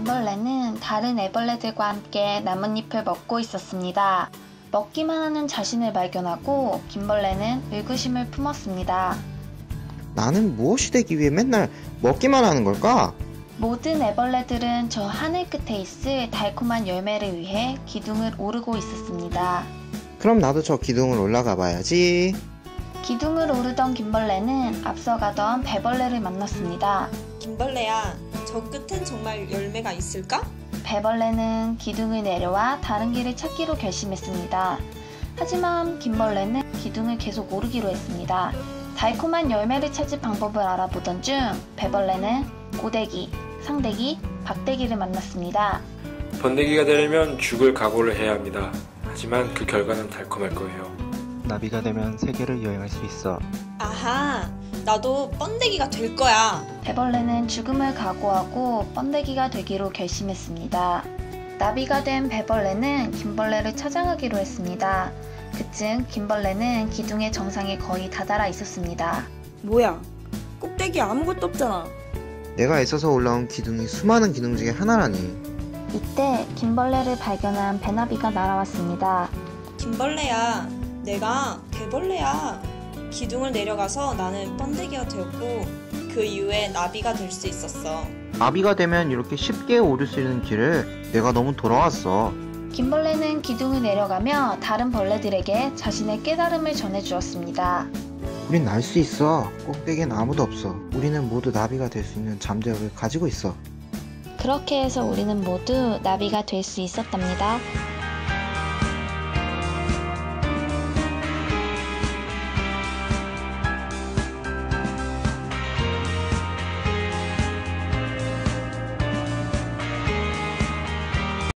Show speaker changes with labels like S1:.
S1: 김벌레는 다른 애벌레들과 함께 나뭇잎을 먹고 있었습니다. 먹기만 하는 자신을 발견하고 김벌레는 의구심을 품었습니다.
S2: 나는 무엇이 되기 위해 맨날 먹기만 하는 걸까?
S1: 모든 애벌레들은 저 하늘 끝에 있을 달콤한 열매를 위해 기둥을 오르고 있었습니다.
S2: 그럼 나도 저 기둥을 올라가 봐야지.
S1: 기둥을 오르던 김벌레는 앞서가던 배벌레를 만났습니다.
S3: 김벌레야, 저 끝엔 정말 열매가 있을까?
S1: 배벌레는 기둥을 내려와 다른 길을 찾기로 결심했습니다. 하지만 김벌레는 기둥을 계속 오르기로 했습니다. 달콤한 열매를 찾을 방법을 알아보던 중 배벌레는 고데기, 상데기, 박데기를 만났습니다.
S4: 번데기가 되려면 죽을 각오를 해야 합니다. 하지만 그 결과는 달콤할 거예요.
S5: 나비가 되면 세계를 여행할 수 있어.
S3: 아하, 나도 번데기가 될 거야.
S1: 배벌레는 죽음을 각오하고 번데기가 되기로 결심했습니다. 나비가 된 배벌레는 김벌레를 찾아가기로 했습니다. 그쯤 김벌레는 기둥의 정상에 거의 다다라 있었습니다.
S6: 뭐야? 꼭대기에 아무것도 없잖아.
S2: 내가 애써서 올라온 기둥이 수많은 기둥 중에 하나라니.
S1: 이때 김벌레를 발견한 배나비가 날아왔습니다.
S3: 김벌레야, 내가 개벌레야. 기둥을 내려가서 나는 번데기가 되었고 그 이후에 나비가 될 수 있었어.
S2: 나비가 되면 이렇게 쉽게 오를 수 있는 길을 내가 너무 돌아왔어.
S1: 김벌레는 기둥을 내려가며 다른 벌레들에게 자신의 깨달음을 전해주었습니다.
S2: 우린 날 수 있어. 꼭대기엔 아무도 없어. 우리는 모두 나비가 될 수 있는 잠재력을 가지고 있어.
S1: 그렇게 해서 우리는 모두 나비가 될 수 있었답니다.